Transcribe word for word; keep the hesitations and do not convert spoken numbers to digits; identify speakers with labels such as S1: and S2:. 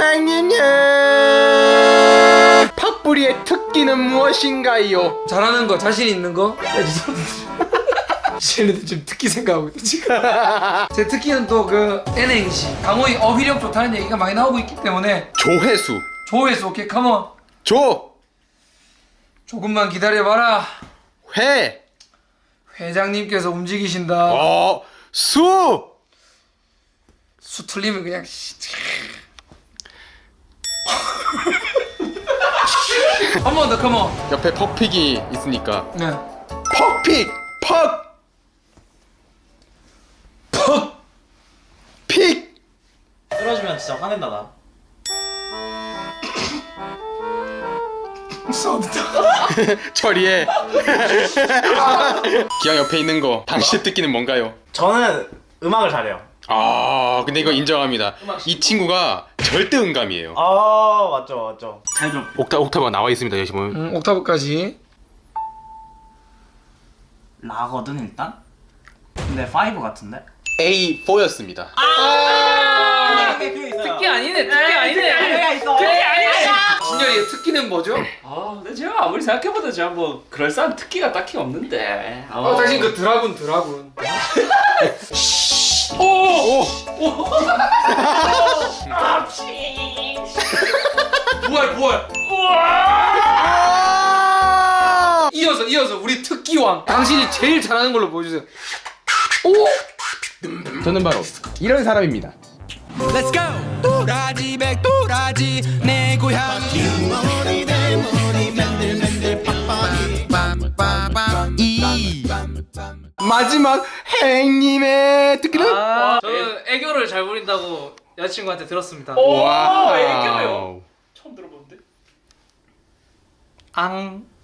S1: 행님님 팥뿌리의 특기는 무엇인가요?
S2: 잘하는 거, 자신 있는 거? 쟤네들 지금 특기 생각하고 있다 지금. 제 특기는 또 그 N행시, 강호의 어휘력 좋다는 얘기가 많이 나오고 있기 때문에
S1: 조회수.
S2: 조회수. 오케이 컴온.
S1: 조.
S2: 조금만 기다려봐라.
S1: 회.
S2: 회장님께서 움직이신다.
S1: 어. 수.
S2: 수 틀리면 그냥 한 번 더 컴온.
S1: 옆에 퍽픽이 있으니까
S2: 네.
S1: 퍽픽. 퍽. 퍽. 픽.
S3: 쓰러지면 진짜 화낸다 나.
S2: 싸운다.
S1: 처리해. 기왕 옆에 있는 거 당신의 특기는 뭔가요?
S3: 저는 음악을 잘해요.
S1: 아 근데 이거 인정합니다. 이 친구가 절대 음감이에요.
S3: 아 맞죠 맞죠. 잘 좀.
S1: 옥타, 옥타브가 나와 있습니다. 여기 보면
S2: 음, 옥타브까지.
S3: 라거든 일단. 근데 파이브 같은데?
S1: 에이 포였습니다.
S2: 특기 아니네. 특기 아니네.
S3: 있어.
S2: 특기 아니네. 진열이의 특기는 뭐죠?
S4: 아, 근데 제가 아무리 생각해봐도 제가 뭐 그럴싸한 특기가 딱히 없는데. 아,
S2: 어, 당신 그 드라군 드라군.
S1: 오! 오!
S2: 부활 부활. 이어서 이어서 우리 특기왕. 당신이 제일 잘하는 걸로 보여주세요. 오!
S1: 저는 바로 이런 사람입니다.
S5: Let's go! 또라지 백 또라지 내 고향이 이
S1: 마지막 행님의 특기는
S2: 아, 저는 애교를 잘 부린다고 여자친구한테 들었습니다.
S4: 오,
S1: 와우.
S4: 애교요. 처음 들어보는데.
S2: 앙.